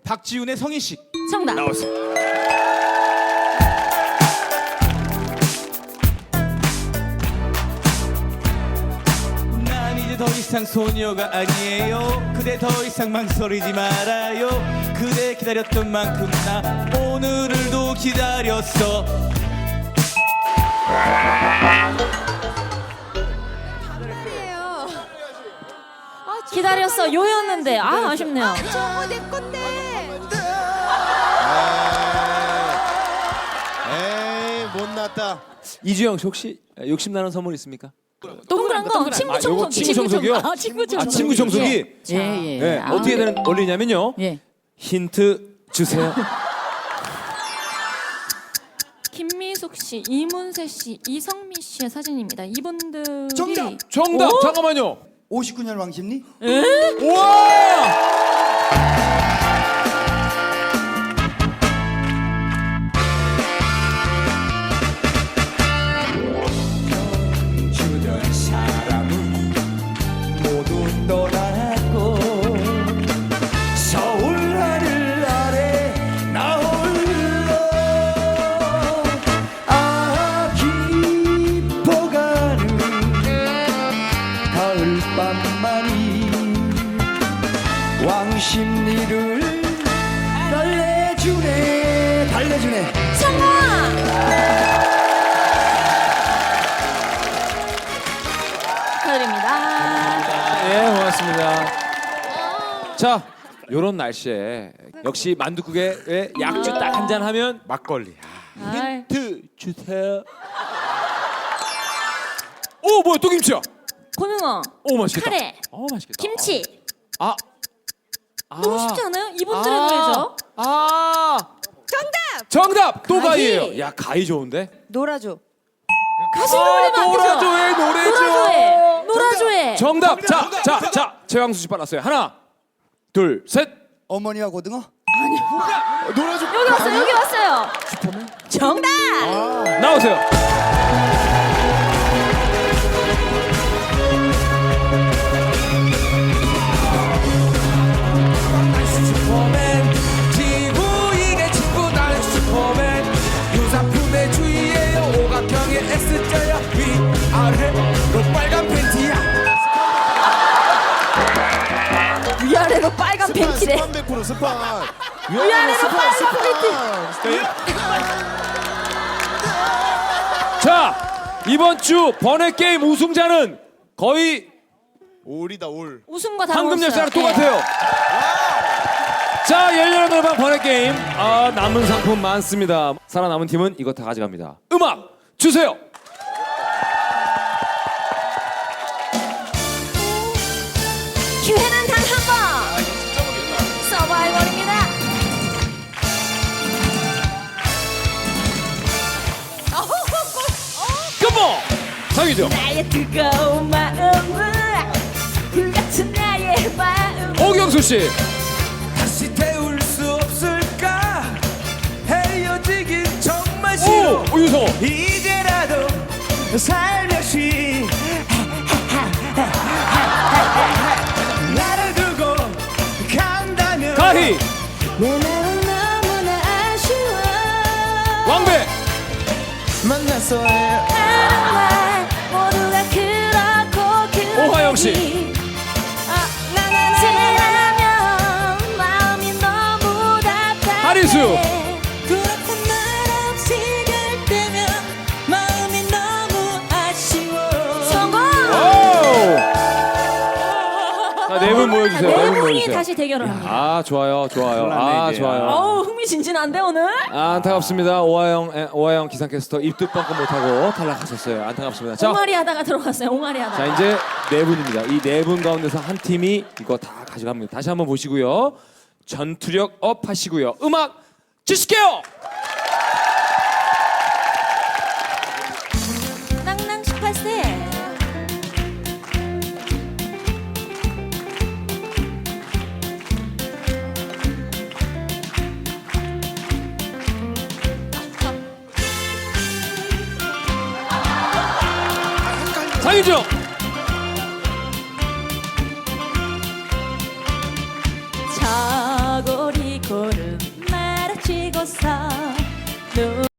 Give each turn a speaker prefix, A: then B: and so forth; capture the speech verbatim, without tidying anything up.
A: 박지훈의 성인 씨
B: 정답.
A: 나왔습니다. 난 이제 더 이상 소녀가 아니에요. 그대 더 이상 망설이지 말아요. 그대 기다렸던 만큼 나 오늘을도 기다렸어.
B: 기다렸어 요였는데 아 아쉽네요.
C: 저거 내 건데.
D: 에이 못났다.
E: 이주영 씨 혹시 욕심나는 선물 있습니까?
B: 동그란 거 친구
E: 아, 요거
B: 청소기.
E: 친구 청소기요?
B: 아, 친구 청소기.
E: 아 친구 청소기?
B: 예예.
E: 네, 어떻게 되는 원리냐면요.
B: 예.
E: 힌트 주세요.
B: 김미숙 씨, 이문세 씨, 이성미 씨의 사진입니다. 이분들이
C: 정답!
E: 정답!
B: 오?
E: 잠깐만요.
C: 오십구 년 왕십리?
E: 우와!
A: 주던 사람은 모두 떠났고 서울 하늘 아래 나 홀로 아 깊어가는 가을밤만이 왕십리를 달래주네 달래주네.
B: 성공! 축하드립니다.
E: 예, 고맙습니다. 자, 요런 날씨에 역시 만둣국에 약주 딱 한 잔 하면 막걸리. 아,
B: 아이.
E: 힌트 주세요. 오, 뭐야? 또 김치야.
B: 고등어,
E: 오, 맛있겠다.
B: 카레,
E: 어, 맛있겠다.
B: 김치.
E: 아. 아.
B: 너무 쉽지 않아요? 이분들의 노래죠.
E: 아.
C: 정답!
E: 정답. 또
B: 가희.
E: 가희예요. 야, 가희 좋은데?
C: 놀아줘.
B: 가수 노래만 안 되죠?
E: 노라조에 노래죠.
B: 노라조에 노라조에
E: 정답. 자, 자, 자. 최광수 씨 빨랐어요. 하나, 둘, 셋.
C: 어머니와 고등어?
E: 놀아줘.
B: 여기 왔어요. 여기 왔어요. 정답.
E: 나오세요.
A: 슈퍼맨 지구인의 친구 나는 슈퍼맨 유사품의 주위에 오각형의 X자야 위아래로 빨간 팬티야.
B: 위아래로 빨간 팬티래.
D: 스판 백프로 스판.
B: 위아래로 빨간 팬티.
E: 자, 이번 주 번외 게임 우승자는 거의
D: 올이다 올.
B: 웃음과 다
E: 황금
B: 먹었어요.
E: 열쇠랑 똑같아요. 자, 열렬한 노래방 번외 게임. 아, 남은 상품 많습니다. 살아남은 팀은 이거 다 가져갑니다. 음악 주세요.
B: 기회는 단 한 번. 서바이벌입니다.
E: 컴온. 상이죠.
B: 나의 뜨거운 마음은 불같은 나의 마음.
E: 오경수 씨.
A: 다시 태울 수 없을까 헤어지긴 정말 싫어.
E: 오, 유성호.
A: 이제라도 살며시 나를 두고 간다면
E: 가희.
B: 내 마음 너무나 아쉬워.
E: 왕배.
A: 만났어요.
B: 정말 모두가 그렇고 그렇니.
E: 오하영 씨.
B: 아, 나는 마음이 너무 답답해.
E: 하리수.
B: 그렇단 말 없이 갈 때면 마음이 너무 아쉬워. 성공!
E: 오. 자, 네 분 모여주세요. 네
B: 네
E: 분
B: 분이
E: 모여주세요.
B: 다시 대결을 합니다.
E: 아, 좋아요, 좋아요. 아, 좋아요.
B: 어우 흥미진진한데 오늘?
E: 아, 안타깝습니다. 오하영, 에, 오하영 기상캐스터 입도 뻥끗 못하고 탈락하셨어요. 안타깝습니다. 자,
B: 옹알이 하다가 들어갔어요. 옹알이 하다가.
E: 자 이제 네 분입니다. 이 네 분 가운데서 한 팀이 이거 다 가져갑니다. 다시 한번 보시고요. 전투력 업 하시고요. 음악 주실게요.
B: 낭낭 십팔 세.
E: 장윤정.
B: 차고리 고 있어서